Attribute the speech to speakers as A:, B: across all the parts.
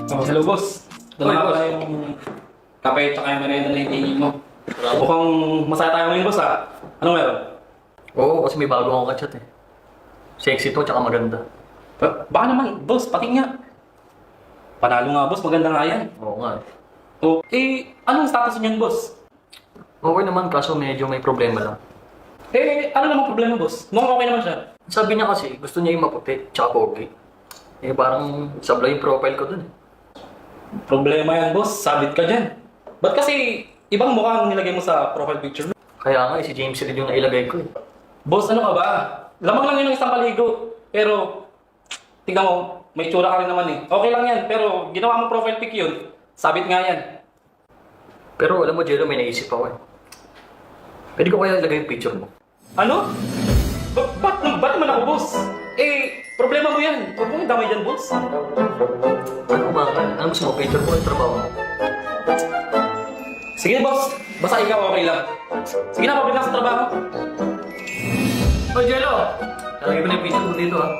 A: Oh, hello boss. Dala
B: Hoy,
A: nga
B: boss.
A: pala yung kape tsaka yung merienda na hihingin mo. Mukhang masaya tayo ngayon boss Anong meron?
B: Oo, kasi may bago akong kachat eh. Sexy to, tsaka maganda.
A: Baka naman, boss, pati nga. Panalo nga boss, maganda nga yan.
B: Oo nga.
A: Oh, anong status niyan boss?
B: Okay naman, kaso medyo may problema lang.
A: Ano namang problema boss? Mukhang okay naman siya.
B: Sabi niya kasi, gusto niya yung maputi, tsaka pogi. Parang sablay yung profile ko dun eh.
A: Problema yan boss, sabit ka dyan. Ba't kasi ibang mukha ang nilagay mo sa profile picture mo?
B: Kaya nga si James Reid yung nailagay ko eh.
A: Boss, ano ka ba? Lamang lang yun ng isang paligo. Pero, tignan mo, may tsura ka rin naman eh. Okay lang yan, pero ginawa mo profile pic yun. Sabit nga yan.
B: Pero alam mo, Jello, may naisip ako eh. Pwede ko kaya ilagay yung picture mo?
A: Ano? Ba't naman ako, boss? Problema mo yan. Huwag mong damay dyan, boss.
B: Ano ba ka? Ano gusto mo? Picture mo yung trabaho mo?
A: Sige, boss. Basta ikaw okay lang. Sige na, pabalik na sa trabaho.
B: Oh, Jello! Lalagay mo na yung picture mo dito ah.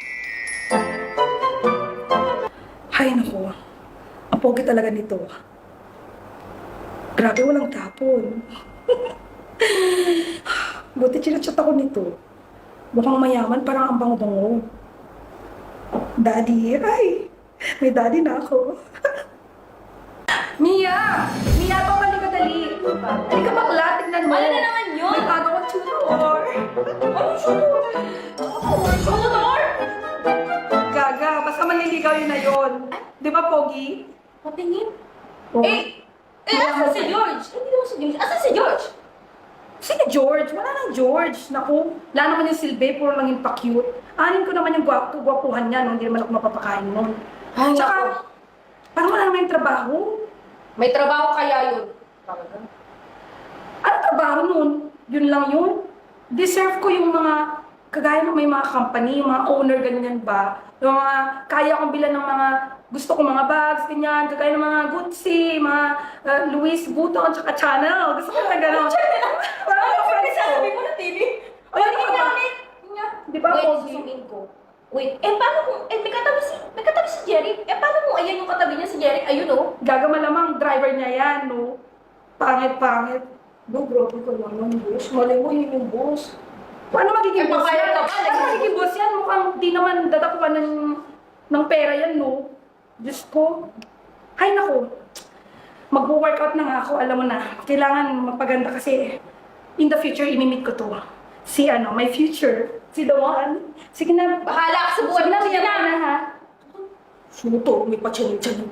C: Hay naku, ang pogi talaga nito. Grabe, walang tapon. Buti chinachat ako nito. Mukhang mayaman, parang ang bango-bango. Daddy, ay, may daddy na ako. Mia! Mia, pabalik ka dali. Halika bakla, tignan mo.
D: Ano na naman yun?
C: May bago kang tutor.
D: Anong shooter? Shooter?
C: Gaga, basta manliligaw yun na yun. Di ba, Pogi?
D: Patingin.
C: Oh.
D: Asan si George? Hindi naman si George. Asan si George?
C: Sino George? Wala nang George. Naku, wala naman yung silbi, puro lang yung pa-cute. Anin ko naman yung gwapuhan niya, no? Hindi naman ako mapapakain nun.
D: Ay,
C: Tsaka,
D: naku.
C: parang wala naman yung trabaho.
D: May trabaho kaya yun.
C: Ano trabaho nun? Yun lang yun. Deserve ko yung mga, kagaya ng may mga company, yung mga owner, ganyan ba? Yung mga, kaya kong bilan ng mga, gusto ko mga bags, ganyan, kagaya ng mga Gucci, mga Louis Vuitton, tsaka Chanel. Gusto ko na gano'n. Parang mga friends ko.
D: Sabi mo na TV.
C: Ay, ano ka ba? Di ba,
D: Wait,
C: Pogi?
D: susumin ko. Wait, paano kung, may katabi si Jerry? Paano kung ayan yung katabi niya si Jerry? Ayun oh.
C: Gaga malamang driver niya yan, no? Pangit-pangit. No, grabe ko naman, boss. Malay mo, yun yung boss. Paano magiging boss
D: papayag
C: yan?
D: ka ba?
C: Paano magiging boss yan? Mukhang di naman dadapuan ng pera yan, no? Diyos ko. Hay nako. Mag-workout na nga ako, alam mo na. Kailangan magpaganda kasi in the future, imimit ko to. Si my future. Si the one. Sige na.
D: Bahala ka sa buhay
C: Sige na,
D: mo.
C: bigyan mo na, ha? Suto, may pa-chanin-chanin.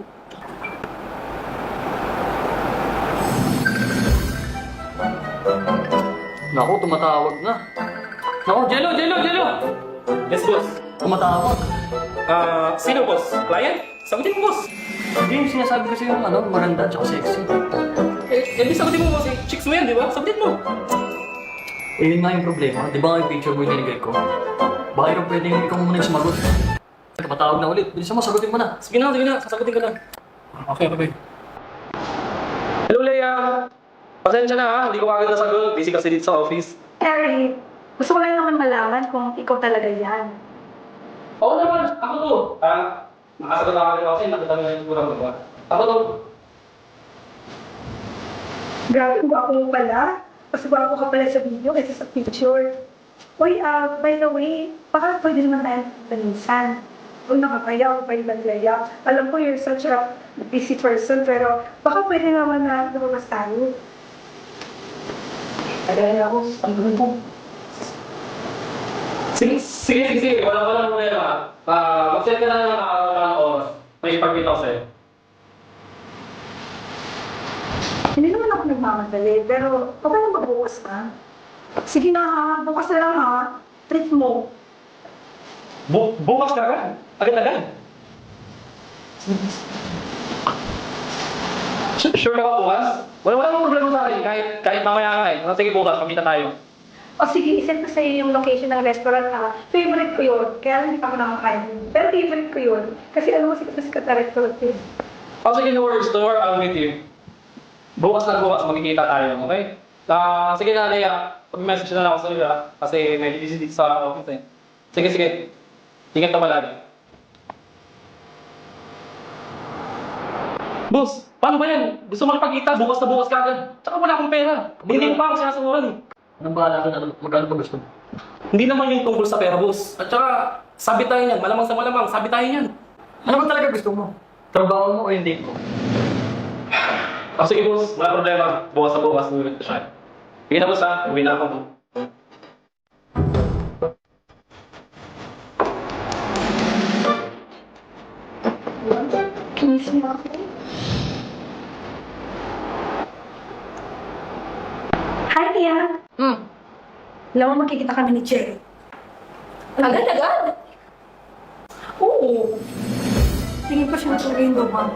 B: Naku, tumatawag na. Naku, Jello!
A: Yes, boss.
B: Tumatawag.
A: Sino, boss? Client? Sagutin mo, boss.
B: James, sinasabi ko sa'yo maganda tsaka sexy.
A: Di sagutin mo, boss. Chicks mo yan, di ba? Sagutin mo.
B: Yun nga yung problema. Di ba nga yung picture mo yung nilagay ko? Baka yung pwedeng ikaw muna yung sumagot. Tumatawag na ulit. Bilisan mo, sagutin mo na.
A: Sige na. Sasagutin ka na. Okay. Hello, Leia. Pasensya na ha. Hindi ko kagad nasagot. Busy kasi dito sa office.
C: Harry, gusto ko lang naman malaman kung ikaw talaga yan.
A: Oo naman. Ako to. Nakasagot na kami kasi nakatami na yung kurang magawa. Ako to.
C: Grabe ba ako pala? Mas bago ka pala sa video kaysa sa picture. Uy, by the way, baka pwede naman tayo panisan. Huwag nakakaya, huwag pwede maglaya. Alam ko you're such a busy person, pero baka pwede naman na lumabas tayo. Kagaya ako, ang gawin ko.
A: Sige. Walang problema. Mag-set ka na ng oras. May ipagkita ko sa'yo.
C: Hindi naman ako nagmamadali, pero okay lang magbukas ka. Sige na ha, bukas na lang ha. Treat mo.
A: Bukas ka agad? Agad-agad? Sure ka ba bukas? Walang problema sa akin. Kahit mamaya ka eh. Sige bukas, pamita tayo.
C: O sige, isend ko sa iyo yung location ng restaurant ha. Favorite ko yun, kaya hindi pa ako nakakain. Pero favorite ko yun, kasi alam mo sikat na restaurant yun.
A: Sige, no worries. Don't worry, I'll meet you. Bukas, magkikita tayo, okay? Sige na, Leia. Pag-message na lang ako sa iyo kasi may busy dito sa office eh. Sige. Ingat ka palagi. Boss, paano ba yan? Gusto mo makipagkita, bukas na bukas ka agad. Tsaka wala akong pera. Hindi mo pa ako sinasaguran.
B: Anong bahala ka na? Magkano ba gusto mo?
A: Hindi naman yung tungkol sa pera, boss. At saka, sabi tayo niyan. Malamang sa malamang, sabi tayo niyan.
B: Ano ba talaga gusto mo? Trabaho mo o hindi mo?
A: Sige, boss. Wala problema. Bukas na bukas, uwi ko siya. Sige na, boss, ha? Uwi na ako.
C: Kinis mo ako. Hi, Tia. Alam mo, magkikita kami ni Jerry.
D: Agad-agad.
C: Oo. Tingin pa siya talaga yung lumang.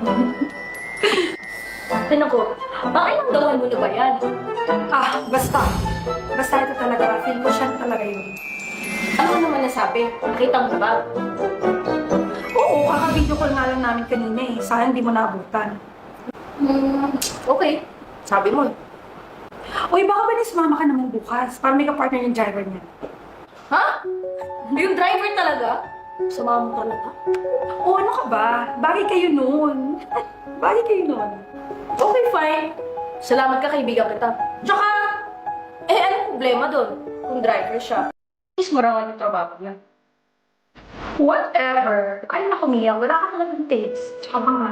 D: Tinan ko, pakiramdaman mo na ba yan?
C: Basta. Basta ito talaga. Feel mo siya talaga yun.
D: Ano naman nasabi? Nakita mo ba?
C: Oo, kaka-video call nga lang namin kanina eh. Sayang hindi mo naabutan.
D: Okay. Sabi mo.
C: Uy, baka ba sumama ka naman bukas? Para may ka-partner yung driver niya.
D: Ha? Yung driver talaga? Sumama mo talaga?
C: Oo, ano ka ba? Bagay kayo noon. Bagay kayo noon.
D: Okay, fine. Salamat ka, kaibigan kita. Tsaka, anong problema doon? Kung driver siya. Is marangan yung trabaho niya.
C: Whatever. Kaya na kumiyak. Wala ka talagang dates. Tsaka mga...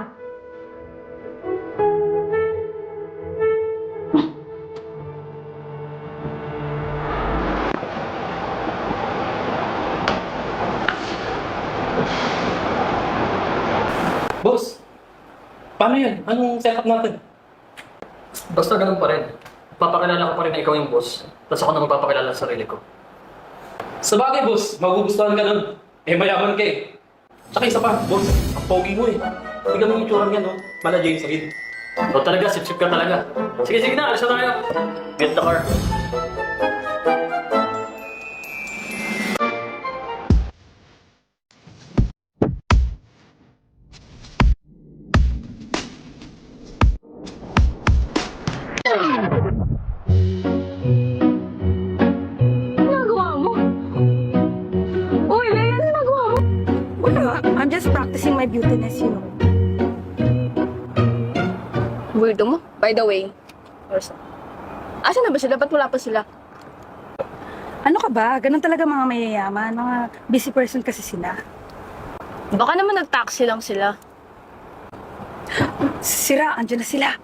A: Boss, paano yan? Anong setup natin?
B: Basta ganun pa rin. Papakilala ko pa rin na ikaw yung boss. Tapos ako na magpapakilala sa sarili ko.
A: Sa bagay, boss, magugustuhan ka nun. Mayaman ka eh. Tsaka isa pa, boss, ang pogi mo eh. Tignan mo yung itsura niya, no? Mala James Reid.
B: O talaga, sip-sip ka talaga. Sige na, alis na tayo. Get the car.
D: Ginagawa mo? Uy, Leia, ano ginagawa mo?
C: Wala. I'm just practicing my beautiness, you know.
D: Weirdo mo. By the way. Asan na ba sila? Ba't wala pa sila?
C: Ano ka ba? Ganun talaga mga mayayaman. Mga busy person kasi sila.
D: Baka naman nag-taxi lang sila.
C: Sira, andyan na sila.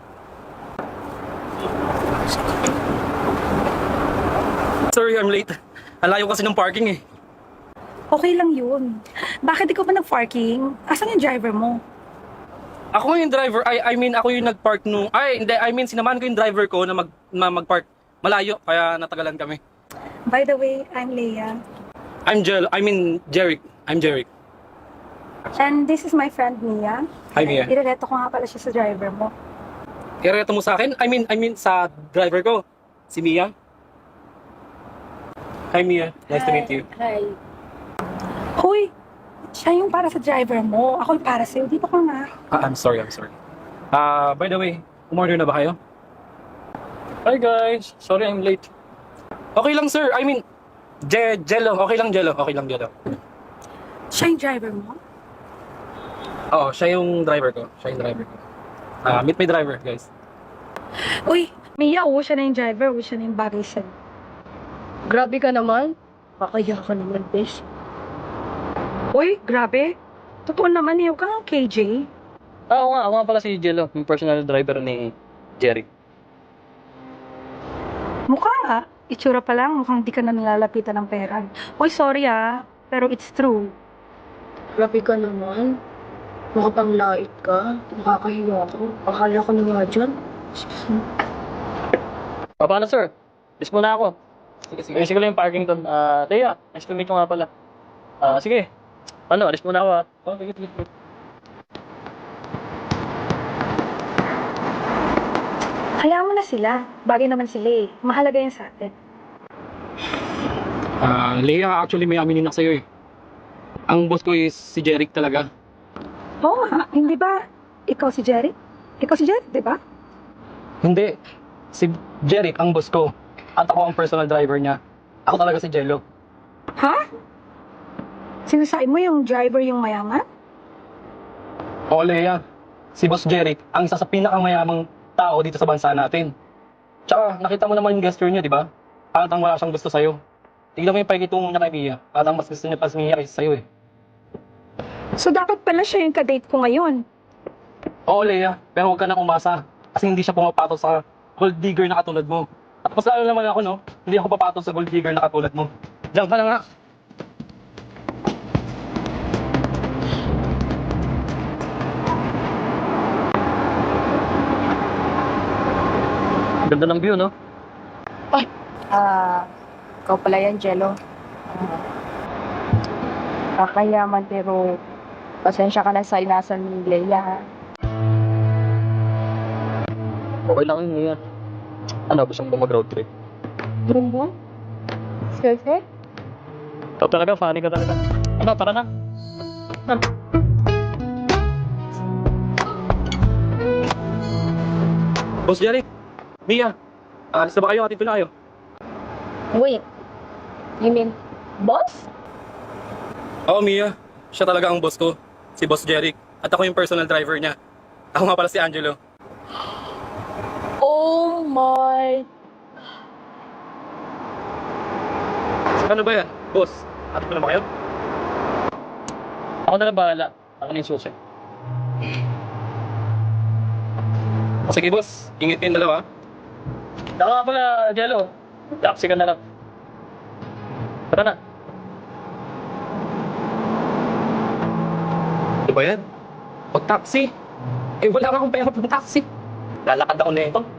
A: Sorry, I'm late. Ang layo kasi ng parking eh.
C: Okay lang yun. Bakit ikaw pa nag-parking? Asan yung driver mo?
A: Ako nga yung driver, I mean, ako yung nag-park nung... Hindi, I mean, sinamahan ko yung driver ko na mag-park malayo, kaya natagalan kami.
C: By the way, I'm Leia.
A: Jeric. I'm Jeric.
C: And this is my friend Mia.
A: Hi, Mia.
C: Irereto ko nga pala siya sa driver mo.
A: Ireto mo sa akin? I mean, sa driver ko. Si Mia. Hi, Mia. Nice to meet you.
D: Hi.
C: Hoy! Siya yung para sa driver mo. Ako yung para sa'yo. Dito ka nga.
A: I'm sorry. By the way, umorder na ba kayo? Hi, guys. Sorry, I'm late. Okay lang, sir. I mean, Jello. Okay lang, Jello.
C: Siya yung driver mo?
A: Oo, siya yung driver ko. Meet my driver, guys.
C: Uy! Mia, siya na yung driver. Siya na yung bagay sa'yo.
D: Grabe ka naman. Kakaya ka naman, bes.
C: Uy, grabe. Totoo naman, yung kang KJ.
B: Ako nga pala si Jello, yung personal driver ni Jerry.
C: Mukha nga. Itsura pa lang, mukhang di ka na nilalapitan ng pera. Uy, sorry pero it's true.
D: Grabe ka naman. Makapanglait ka. Nakakahiwa ko. Akala ko na nga dyan.
B: Paano sir? Alis muna ako. Sige. Sige lang yung parking doon. Leia, nice to meet you nga pala. Sige. Alis muna ako Sige.
C: Hayaan mo na sila. Bagay naman sila eh. Mahalaga yan sa atin.
A: Leia, actually may aminin na sa'yo eh. Ang boss ko is si Jeric talaga.
C: Oo nga. Hindi ba? Ikaw si Jerry? Ikaw si Jerry, di ba?
A: Hindi. Si Jeric ang boss ko. At ako ang personal driver niya. Ako talaga si Jello.
C: Ha? Sinasabi mo yung driver yung mayaman?
A: Oo, Leia. si Boss Jeric ang isa sa pinakamayamang tao dito sa bansa natin. Tsaka, nakita mo naman yung gesture niya, di ba? Parang wala siyang gusto sa'yo. Tignan mo yung pakikitungo niya kay Mia. Parang mas gusto niya pa si Mia kaysa sa'yo eh.
E: So dapat pala siya yung kadate ko ngayon.
A: Oo, Leia, pero huwag ka nang umasa. Kasi hindi siya pumapatol sa gold digger na katulad mo. At mas lalo naman ako, no? Hindi ako papatol sa gold digger na katulad mo. Diyan ka na nga.
B: Ganda ng view, no?
E: Ikaw pala yan, Jello. Kakayaman pero pasensya ka na sa inasan ni Leia, ha?
B: Okay lang yun ngayon. Ano, gusto mo ba mag-road trip?
E: Bumbong? Sese?
B: Ikaw talaga, funny ka talaga. Ano, tara na.
A: Boss Jeric, Mia, alis na ba kayo? Atid ko na kayo.
E: Wait. You mean, boss?
A: Oo, Mia. Siya talaga ang boss ko. Si Boss Jeric. At ako yung personal driver niya. Ako nga pala si Angelo.
E: Oh my...
A: Ano ba yan? Boss, atid ko na ba kayo?
B: Ako na lang bahala. Ako na yung susi.
A: Sige, boss. Ingit kayong dalawa.
B: Ako nga pala, Jello. Taxi ka na lang. Tara na.
A: Ano ba yan? Pag taxi? Eh, wala akong pera pang taxi. Lalakad ako na ito.